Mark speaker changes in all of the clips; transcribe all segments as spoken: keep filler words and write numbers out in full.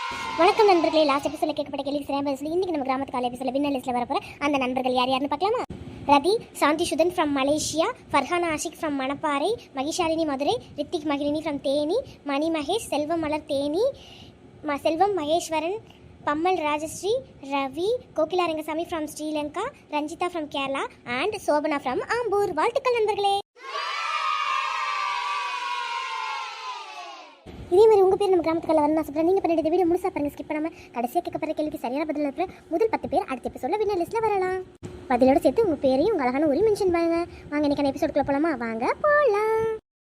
Speaker 1: வணக்கம் நண்பர்களே. லாஸ்ட் எபிசோட கேட்கப்பட்ட கேள்வி சரியா பதில் இன்னைக்கு நம்ம கிராமத்து கால எபிசோட வின்னர் லிஸ்ட்ல வரப்போற அந்த நண்பர்கள் யார் யாருன்னு பார்க்கலாமா? Rathi Shanthi Sudhan from Malaysia, Farhana Ashik from Manapparai, Magishalini Madurai, Rithik Magizhini from Theni, Mani Mahesh, Selvam Malar Theni, ம Selvam Maheswaran, Pammal Rajasri, Ravi, Kokila Rangasamy from Sri Lanka, Ranjitha from Kerala and Shobana from Ambur. வாழ்த்துக்கள் நண்பர்களே. இதே மாதிரி உங்கள் பேர் நம்ம கிராமத்துக்குள்ள வரணும் ஆசைப்படுறேன். நீங்கள் பண்ணிட்டு வீடியோ முழுசாக பாருங்க, ஸ்கிப் பண்ணாமல். கடைசியாக கேட்கப்படுற கேள்விக்கு சரியான பதில் இருக்கிற முதல் பத்து பேர் அடுத்த எபிசோட வின்னர் லிஸ்ட்டில் வரலாம். பதிலோடு சேர்த்து உங்கள் பேரையும் உங்கள் அழகான ஒரு மென்ஷன் பண்ணுங்க. வாங்க இன்னைக்கான எபிசோடுக்குள்ள போகலாமா? வாங்க போகலாம்.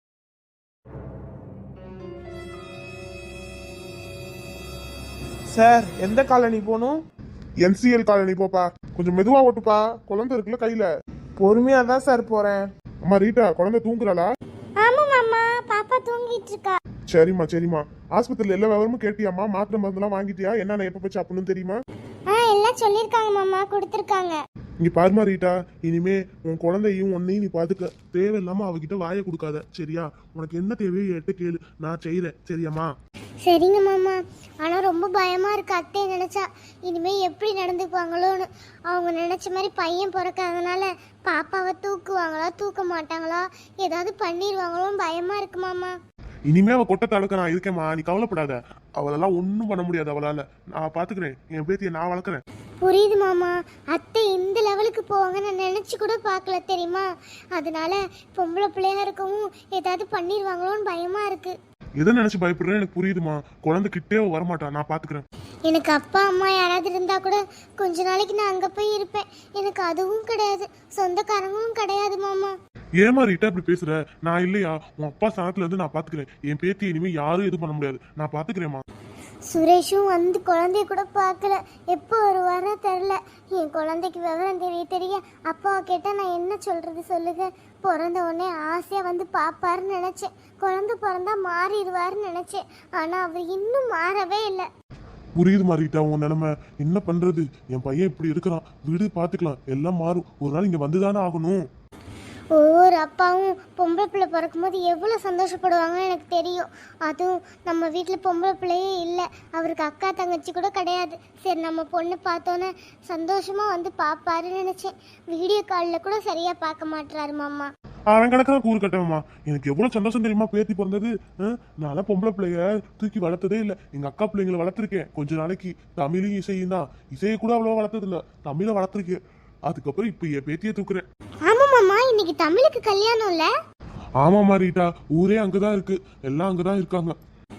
Speaker 2: சார், எந்த காலனி போகணும்? என்சிஎல் காலனி போப்பா. கொஞ்சம் மெதுவா ஓட்டுப்பா, குழந்தை இருக்குல்ல கையில. பொறுமையா தான் சார் போறேன். அம்மா ரீட்டா, குழந்தை தூங்குறாளா?
Speaker 1: ஆமா மாமா, பாப்பா தூங்கிட்டு இருக்கா.
Speaker 2: சரிம்மா சரிம்மா. ஆஸ்பத்திரியில எல்லா விவரமும் கேட்டியாம்மா? மாத்திரை மருந்துலாம் வாங்கிட்டியா? என்னென்ன எப்ப போய் சாப்பிடணும் தெரியுமா?
Speaker 1: ஆ எல்லாம் சொல்லிருக்காங்க மாமா, கொடுத்துருக்காங்க.
Speaker 2: இங்க பாருமா ரீட்டா, இனிமே உன் குழந்தையும் உன்னையும் நீ பாத்துக்க. தேவையில்லாம அவகிட்ட வாயை கொடுக்காத, சரியா? உனக்கு என்ன தேவையோ என்கிட்ட கேளு, நான் செய்யறேன், சரியாம்மா?
Speaker 1: சரிங்க மாமா. ஆனால் ரொம்ப பயமாக இருக்கு அத்தையை நினச்சா. இனிமேல் எப்படி நடந்துக்குவாங்களோன்னு. அவங்க நினச்ச மாதிரி பையன் பிறக்காதனால பாப்பாவை தூக்குவாங்களா தூக்க மாட்டாங்களா, ஏதாவது பண்ணிடுவாங்களோன்னு பயமாக இருக்கு மாமா.
Speaker 2: இனிமே அவ கொட்டை தடுக்க நான் இருக்கேம்மா, நீ கவலைப்படாத. அவளெல்லாம் ஒன்றும் பண்ண முடியாது அவளால. நான் பாத்துக்கிறேன், என் பேத்தியை நான் வளர்க்குறேன்.
Speaker 1: புரியுது மாமா. அத்தை இந்த லெவலுக்கு போவாங்க நான் நினச்சி கூட பார்க்கல தெரியுமா. அதனால பொம்பளை பிள்ளையா இருக்கவும் ஏதாவது பண்ணிடுவாங்களோன்னு பயமாக இருக்கு.
Speaker 2: எதை நினைச்சு பயப்படுறேன் எனக்கு புரியுதுமா. குழந்தை கிட்டே வரமாட்டா, நான் பாத்துக்கிறேன்.
Speaker 1: எனக்கு அப்பா அம்மா யாராவது இருந்தா கூட கொஞ்ச நாளைக்கு நான் அங்க போய் இருப்பேன். எனக்கு அதுவும் கிடையாது, சொந்தக்காரங்களும் கிடையாது மாமா.
Speaker 2: ஏமா ரீட்டா இப்படி பேசுற? நான் இல்லையா? உன் அப்பா ஸ்தானத்துல இருந்து நான் பாத்துக்கிறேன். என் பேத்தி இனிமே யாரும் எதுவும் பண்ண முடியாது, நான் பாத்துக்கிறேன்மா.
Speaker 1: சுரேஷும் வந்து குழந்தைய கூட பார்க்கல, எப்போ வருவாரோ தெரில. என் குழந்தைக்கு விவரம் தெரிய தெரிய அப்பாவை கேட்டால் நான் என்ன சொல்கிறது சொல்லுங்க. பிறந்த உடனே ஆசையாக வந்து பார்ப்பாருன்னு நினச்சேன். குழந்தை பிறந்தா மாறிடுவாருன்னு நினச்சேன். ஆனால் அவர் இன்னும் மாறவே இல்லை.
Speaker 2: புரியுது மாறிட்டா உன் நிலைமை. என்ன பண்றது? என் பையன் இப்படி இருக்கிறான், வீடு பாத்துக்கலாம், எல்லாம் மாறும். ஒரு நாள் இங்க வந்துதானே ஆகணும்.
Speaker 1: ஒவ்வொரு அப்பாவும் பொம்பளை பிள்ளை பிறக்கும் போது எவ்வளோ சந்தோஷப்படுவாங்கன்னு எனக்கு தெரியும். அதுவும் நம்ம வீட்டில் பொம்பளை பிள்ளையே இல்லை, அவருக்கு அக்கா தங்கச்சி கூட கிடையாது. சரி நம்ம பொண்ணு பார்த்தோன்னே சந்தோஷமாக வந்து பார்ப்பாருன்னு நினச்சேன். வீடியோ காலில் கூட சரியாக பார்க்க மாட்டுறாரு மாமா.
Speaker 2: அவன் கணக்கெல்லாம் கூறு கட்டவமா. எனக்கு எவ்வளவு சந்தோஷம் தெரியுமா பேத்தி பிறந்தது. நான் பொம்பளை பிள்ளைய தூக்கி வளர்த்ததே இல்லை. எங்க அக்கா பிள்ளைங்களை வளர்த்துருக்கேன் கொஞ்ச நாளைக்கு. தமிழும் இசையும் தான். இசையை கூட அவ்வளவா வளர்த்தது இல்லை, தமிழை வளர்த்துருக்கேன். அதுக்கப்புறம் இப்ப என் பேத்தியை தூக்குறேன்.
Speaker 1: ஆமா மாமா, இன்னைக்கு தமிழுக்கு கல்யாணம் இல்ல?
Speaker 2: ஆமா மாறிட்டா, ஊரே அங்கதான் இருக்கு, எல்லாம் அங்கதான் இருக்காங்க.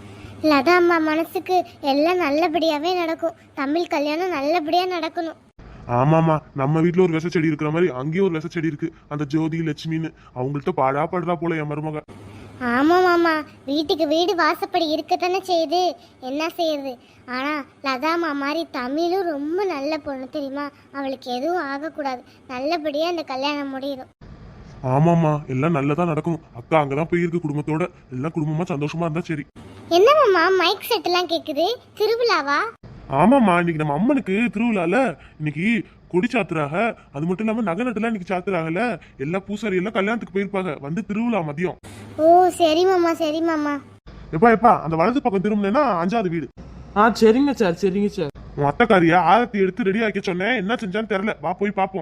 Speaker 1: லதா அம்மா மனசுக்கு எல்லாம் நல்லபடியாவே நடக்கும். தமிழ் கல்யாணம் நல்லபடியா நடக்கணும்.
Speaker 2: ஆமாமா, நம்ம வீட்டுல ஒரு விச செடி இருக்கிற மாதிரி அங்கேயும் ஒரு விச செடி இருக்கு. அந்த ஜோதி லட்சுமின்னு அவங்கள்ட்ட பாடா படுறா போல என் மருமக.
Speaker 1: ஆமா மாமா, வீட்டுக்கு வீடு வாசப்படி இருக்கத்தானே செய்யுது, என்ன செய்யுது. ஆனா லதாமா மாதிரி தமிழும் ரொம்ப நல்ல பொண்ணு தெரியுமா. அவளுக்கு எதுவும் ஆகக்கூடாது, நல்லபடியா அந்த கல்யாணம் முடியும்.
Speaker 2: ஆமாமா, எல்லாம் நல்லதா நடக்கணும். அக்கா அங்கதான் போயிருக்கு குடும்பத்தோட. எல்லாம் குடும்பமா சந்தோஷமா இருந்தா சரி.
Speaker 1: என்ன மாமா மைக் செட் எல்லாம் கேக்குது? திருவிழாவா?
Speaker 2: ஆமாமா, இன்னைக்கு நம்ம அம்மனுக்கு திருவிழால. இன்னைக்கு கொடி சாத்துறாங்க. அது மட்டும் இல்லாம நகை நட்டுலாம் இன்னைக்கு சாத்துறாங்கல்ல. எல்லா பூசாரி எல்லாம் கல்யாணத்துக்கு போயிருப்பாங்க. வந்து திருவிழா மதியம்.
Speaker 1: ஓ சரி மாமா, சரி மாமா.
Speaker 2: எப்பா எப்பா அந்த வலது பக்கம் திரும்பினா அஞ்சாவது வீடு.
Speaker 3: ஆ சரிங்க சார், சரிங்க சார்.
Speaker 2: உன் அத்தைக்காரியா ஆரத்தி எடுத்து ரெடி ஆக்கி சொன்னேன், என்ன செஞ்சான்னு தெரியல. வா போய் பாப்போம்.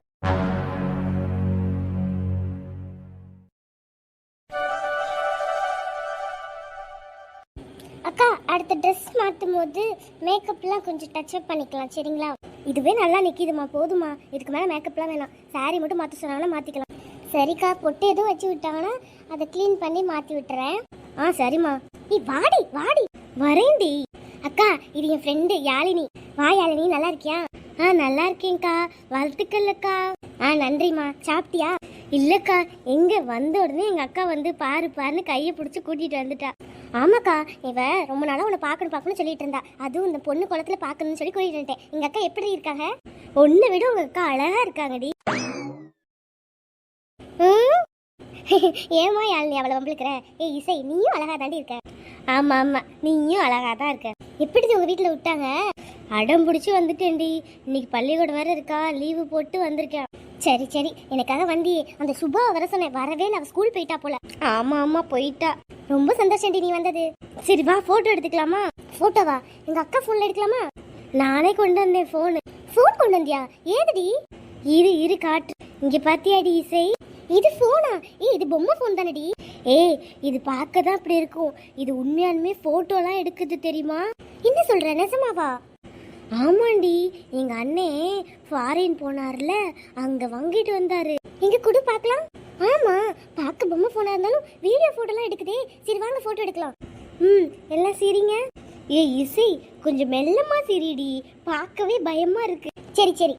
Speaker 1: அக்கா, அடுத்த ட்ரெஸ் மாற்றும் போது மேக்கப்லாம் கொஞ்சம் டச்சப் பண்ணிக்கலாம் சரிங்களா? இதுவே நல்லா நிற்கிதுமா, போதுமா? இதுக்கு மேலே மேக்கப்லாம் வேணாம். சாரி மட்டும் மாற்ற சொன்னாலும் மாற்றிக்கலாம். சரிக்கா, பொட்டு எதுவும் வச்சு விட்டாங்கன்னா அதை க்ளீன் பண்ணி மாற்றி விட்டுறேன். ஆ சரிம்மா. நீ வாடி வாடி. வரேன்டி. அக்கா, இது என் ஃப்ரெண்டு யாழினி. வா யாழினி, நல்லா இருக்கியா? ஆ நல்லா இருக்கேன்க்கா, வாழ்த்துக்கள் அக்கா. ஆ நன்றிம்மா. சாப்பிட்டியா? இல்லைக்கா, எங்கே வந்த உடனே எங்கள் அக்கா வந்து பாரு பாருன்னு கையை பிடிச்சி கூட்டிகிட்டு வந்துட்டா. ஆமாக்கா, இவ ரொம்ப நாளாக உன்னை பார்க்கணும் பார்க்கணும்னு சொல்லிட்டு இருந்தா. அதுவும் இந்த பொண்ணு குளத்தில் பார்க்கணும்னு சொல்லி கூட்டிகிட்டு வந்துட்டேன். எங்கள் அக்கா எப்படி இருக்காங்க? ஒன்றை விட உங்கள் அக்கா அழகாக இருக்காங்கடி. ம் ஏமா யாழ்னி அவளை வம்பிழுக்கிற? ஏ இசை, நீயும் அழகா தாண்டி இருக்க. ஆமா ஆமா, நீயும் அழகா தான் இருக்க. எப்படி உங்க வீட்டுல விட்டாங்க? அடம் பிடிச்சி வந்துட்டேன்டி. இன்னைக்கு பள்ளிக்கூடம் வேற இருக்கா, லீவு போட்டு வந்திருக்கேன். சரி சரி, எனக்காக வந்தி. அந்த சுபா வர சொன்னேன், வரவே இல்லை. அவ ஸ்கூல் போயிட்டா போல. ஆமா ஆமா போயிட்டா. ரொம்ப சந்தோஷம் டி நீ வந்தது. சரி வா போட்டோ எடுத்துக்கலாமா? போட்டோவா? எங்க அக்கா போன்ல எடுக்கலாமா? நானே கொண்டு வந்தேன் போன். போன் கொண்டு வந்தியா? ஏதுடி? இரு இரு காட்டு. இங்க பாத்தியாடி இசை? இது போனா? ஏய் இது பொம்மை போன் தானடி? ஏய் இது பார்க்க தான் அப்படி இருக்கும். இது உண்மையாலுமே போட்டோலாம் எடுக்குது தெரியுமா? என்ன சொல்ற, நிஜமாவா? ஆமாண்டி, எங்க அண்ணே ஃபாரின் போனார்ல, அங்க வாங்கிட்டு வந்தாரு. இங்க குடு பார்க்கலாம். ஆமா, பார்க்க பொம்மை போனா இருந்தாலும் வீடியோ போட்டோலாம் எடுக்குதே. சரி வாங்க போட்டோ எடுக்கலாம். ம் எல்லாம் சரிங்க. ஏய் இசை கொஞ்சம் மெல்லமா சிரிடி, பார்க்கவே பயமா இருக்கு. சரி சரி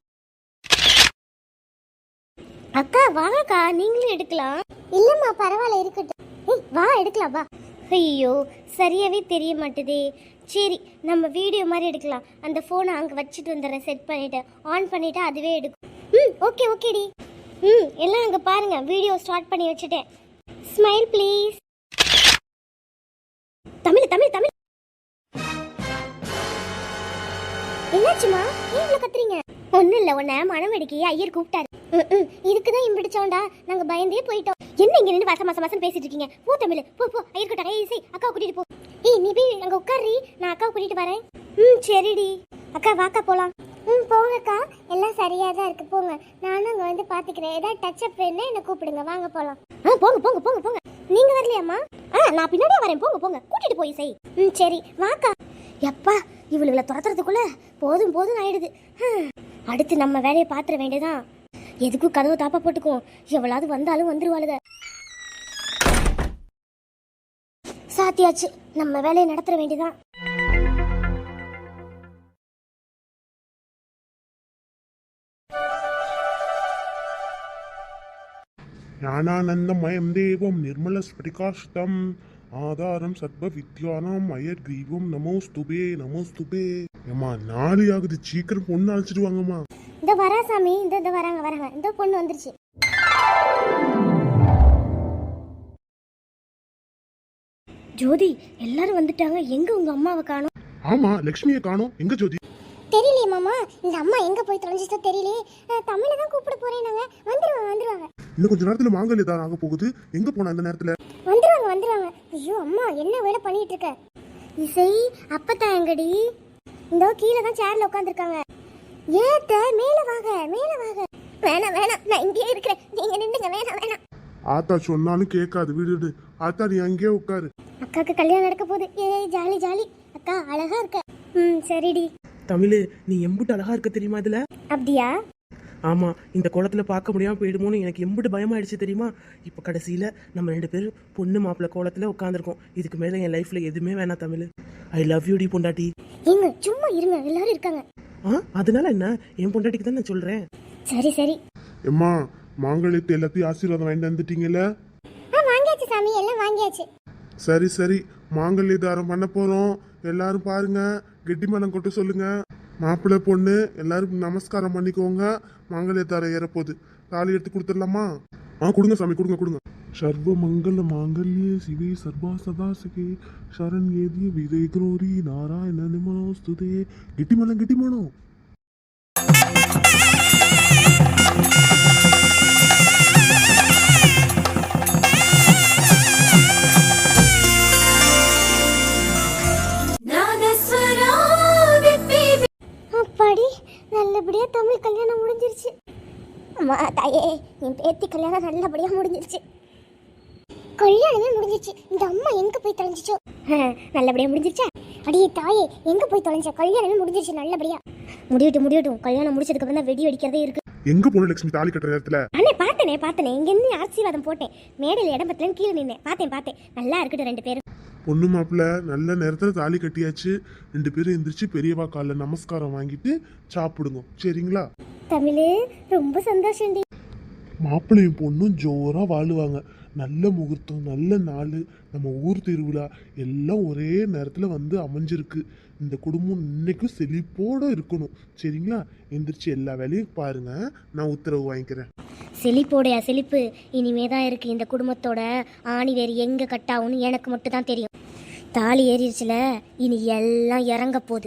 Speaker 1: அக்கா வாங்கக்கா, நீங்களும் எடுக்கலாம். இல்லம்மா பரவாயில்ல இருக்கட்டும். ஏய் வா எடுக்கலாம் வா. ஐயோ சரியாவே தெரிய மாட்டுதே. சரி நம்ம வீடியோ மாதிரி எடுக்கலாம். அந்த ஃபோனை அங்கே வச்சுட்டு வந்துடுறேன், செட் பண்ணிவிட்டு ஆன் பண்ணிவிட்டு அதுவே எடுக்கும். ம் ஓகே ஓகேடி. ம் எல்லாம் அங்கே பாருங்க, வீடியோ ஸ்டார்ட் பண்ணி வச்சுட்டேன். Smile please. தமிழ் தமிழ் தமிழ். என்னாச்சுமா, ஏன் இவ்வளோ கத்துறீங்க? ஒன்றும் இல்லை, உன்னை மனவெடிக்கி ஐயர் கூப்பிட்டாரு. ம் ம் இதுக்கு தான் இம்பிடிச்சோண்டா, நாங்கள் பயந்தே போயிட்டோம். என்ன இங்கே நின்று வசம் மசம் மசம் பேசிட்டு இருக்கீங்க? போ தமிழ் போ போ. ஐயர் கூட்டாங்க. இசை அக்கா கூட்டிட்டு போ. ஏய் நீ போய் அங்கே உட்காரி, நான் அக்கா கூட்டிட்டு வரேன். ம் சரிடி. அக்கா வாக்கா போகலாம். ம் போங்கக்கா, எல்லாம் சரியாக தான் இருக்கு, போங்க. நானும் அங்கே வந்து பார்த்துக்கிறேன். ஏதாவது டச்சப் வேணுன்னா என்னை கூப்பிடுங்க, வாங்க போகலாம். ஆ போங்க போங்க போங்க போங்க. நீங்கள் வரலையாம்மா? ஆ நான் பின்னாடியே வரேன், போங்க போங்க. கூட்டிட்டு போய் இசை. ம் சரி வாக்கா. எப்பா இவளுகளை துரத்துறதுக்குள்ள போதும் போதும் ஆயிடுது. அடுத்து நம்ம வேலையை பார்த்துட வேண்டியதான். எதுக்கும் கதவு தாப்பா போட்டுக்கும், எவ்வளவு வந்தாலும் வந்துருவாளுங்க. சாத்தியாச்சு, நம்ம வேலையை நடத்துற வேண்டியதான்.
Speaker 2: ஞானானந்தமயம் தேவம் நிர்மல ஸ்படிகாஷ்டம் ஆதாரம் சர்வ வித்யானாம் அயர் கிரீவம் நமோஸ்துபே நமோஸ்துபே. ஏமா நாளை ஆகுது, சீக்கிரம் பொண்ணு அழைச்சிட்டு வாங்கம்மா.
Speaker 1: இந்த வரா சாமி, இந்த இந்த வராங்க வராங்க. இந்த பொண்ணு வந்துருச்சு. ஜோதி எல்லாரும் வந்துட்டாங்க. எங்க உங்க அம்மாவை காணோம்?
Speaker 2: ஆமா லட்சுமியை காணோம். எங்க ஜோதி?
Speaker 1: தெரியலையே மாமா, இந்த அம்மா எங்க போய் தொலைஞ்சிட்டோ தெரியலையே. தமிழை தான் கூப்பிட போறேன். நாங்க வந்துருவாங்க வந்துருவாங்க.
Speaker 2: இன்னும் கொஞ்ச நேரத்துல மாங்கல்ய தான் ஆக போகுது. எங்க போனா இந்த நேரத்துல?
Speaker 1: வந்துருவாங்க வந்துருவாங்க. ஐயோ அம்மா என்ன வேலை பண்ணிட்டு இருக்க? இசை அப்பத்தா எங்கடி? இந்த கீழே தான் சேர்ல உட்காந்துருக்காங்க. ஏத்த மேல வாங்க மேல வாங்க. வேணாம் வேணாம், நான் இங்கேயே இருக்கிறேன், நீங்க நின்னுங்க. வேணாம் வேணாம்.
Speaker 2: ஆத்தா சொன்னாலும் கேட்காது, விடுடு. ஆத்தா நீ அங்கேயே உட்காரு.
Speaker 1: அக்காக்கு கல்யாணம் நடக்க போகுது. ஏய் ஜாலி ஜாலி. அக்கா அழகா இருக்க. ம் சரிடி.
Speaker 3: தமிழ் நீ எம்புட்டு அழகா இருக்க தெரியுமா இதுல?
Speaker 1: அப்படியா?
Speaker 3: ஆமா, இந்த குளத்துல பார்க்க முடியாம போயிடுமோன்னு எனக்கு எம்புட்டு பயமாயிடுச்சு தெரியுமா? இப்ப கடைசியில நம்ம ரெண்டு பேரும் பொண்ணு மாப்பிள்ள கோலத்துல உட்காந்துருக்கோம். இதுக்கு மேல என் லைஃப்ல எதுவுமே வேணாம் தமிழ். ஐ லவ் யூ டி பொண்டாட்டி.
Speaker 1: ஏங்க சும்மா இருங்க, எல்லாரும் இருக்காங்க.
Speaker 3: ஆ அதனால என்ன, என் பொண்டாட்டிக்கு தான் நான் சொல்றேன்.
Speaker 1: சரி சரி.
Speaker 2: எம்மா மாங்கல்யத்தை எல்லாத்தையும் ஆசீர்வாதம் வாங்கிட்டு வந்துட்டீங்கல்ல?
Speaker 1: ஆ வாங்கியாச்சு சாமி, எல்லாம் வாங்கியாச்சு.
Speaker 2: சரி சரி, மாங்கல்ய தாரம் பண்ண போறோம். எல்லாரும் பாருங்க, கெட்டி மேளம் கொட்ட சொல்லுங்க. மாப்பிள்ளை பொண்ணு எல்லாரும் நமஸ்காரம் பண்ணிக்கோங்க. மாங்கல்ய தாரம் ஏறப்போகுது. தாலி எடுத்து கொடுத்துடலாமா? ஆ கொடுங்க சாமி, கொடுங்க கொடுங்க. சர்வ மங்கள மாங்கல்யே சிவே சர்வா சதாசிகே சரண் ஏதிய விதை குரோரி நாராயண நிமனோஸ்துதே. கெட்டி மேளம் கெட்டி மேளம்.
Speaker 1: அப்பாடி நல்லபடியா தமிழ் கல்யாணம் முடிஞ்சிருச்சு. அம்மா தாயே, என் பேத்தி கல்யாணம் நல்லபடியா முடிஞ்சிருச்சு. கல்யாணமே முடிஞ்சிருச்சு. இந்த அம்மா எங்க போய் தொலைஞ்சிச்சோ? நல்லபடியா முடிஞ்சிருச்சா? அடியே தாயே, எங்க போய் தொலைஞ்ச? கல்யாணமே முடிஞ்சிருச்சு நல்லபடியா. முடியட்டும் முடியட்டும், கல்யாணம் முடிச்சதுக்கு அப்புறம் தான் வெடி வெடிக்கிறதே இருக்கு.
Speaker 2: எங்க போன லட்சுமி தாலி கட்டுற நேரத்துல?
Speaker 1: அண்ணே பார்த்தனே பார்த்தனே, இங்க இருந்து ஆசீர்வாதம் போட்டேன். மேடையில் இடம் பத்தலன்னு கீழே நின்னேன். பார்த்தேன் பார்த்தேன். நல்லா இருக்கட்டும் ரெண்டு பேரும்.
Speaker 2: பொண்ணு மாப்பிள்ள நல்ல நேரத்துல தாலி கட்டியாச்சு. ரெண்டு பேரும் எந்திரிச்சு பெரியவா கால நமஸ்காரம் வாங்கிட்டு சாப்பிடுங்க, சரிங்களா?
Speaker 1: தமிழ் ரொம்ப சந்தோஷம்.
Speaker 2: மாப்பிள்ளையும் பொண்ணும் ஜோரா வாழுவாங்க. நல்ல முகூர்த்தம், நல்ல நாள், நம்ம ஊர் திருவிழா எல்லாம் ஒரே நேரத்துல வந்து அமைஞ்சிருக்கு. இந்த குடும்பம் இன்னைக்கும் செழிப்போட இருக்கணும், சரிங்களா? எந்திரிச்சு எல்லா வேலையும் பாருங்க, நான் உத்தரவு வாங்கிக்கிறேன்.
Speaker 1: செழிப்போடைய செழிப்பு இனிமே தான் இருக்கு. இந்த குடும்பத்தோட ஆணி வேறு எங்க கட்டாகும்னு எனக்கு மட்டும் தான் தெரியும். தாலி ஏறிடுச்சுல, இனி எல்லாம் இறங்க போகுது.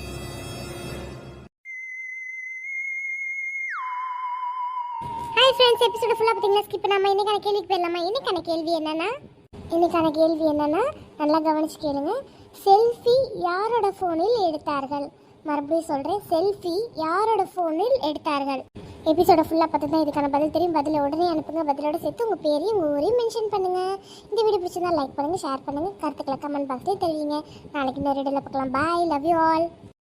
Speaker 1: ஹாய் ஃப்ரெண்ட்ஸ், ஃப்ரெண்ட்ஸ் எபிசோட ஃபுல்லா பாத்தீங்கன்னா ஸ்கிப் பண்ணாம இன்னைக்கான கேள்விக்கு போயிடலாமா? இன்னைக்கான கேள்வி என்னன்னா இன்னைக்கான கேள்வி என்னன்னா நல்லா கவனிச்சு கேளுங்க. செல்ஃபி யாரோட ஃபோனில் எடுத்தார்கள்? மறுபடியும் சொல்றேன், செல்ஃபி யாரோட ஃபோனில் எடுத்தார்கள்? எபிசோட ஃபுல்லாக பார்த்து தான் இதுக்கான பதில் தெரியும். பதில உடனே அனுப்புங்க. பதிலோட சேர்த்து உங்கள் பேரையும் உங்கள் ஊரையும் மென்ஷன் பண்ணுங்க. இந்த வீடியோ பிடிச்சிருந்தா லைக் பண்ணுங்க, ஷேர் பண்ணுங்க, கருத்துக்களை கமெண்ட் பாக்ஸ்லேயே தெரிவிங்க. நாளைக்கு இந்த வீடியோவில் பார்க்கலாம். Bye, love you all.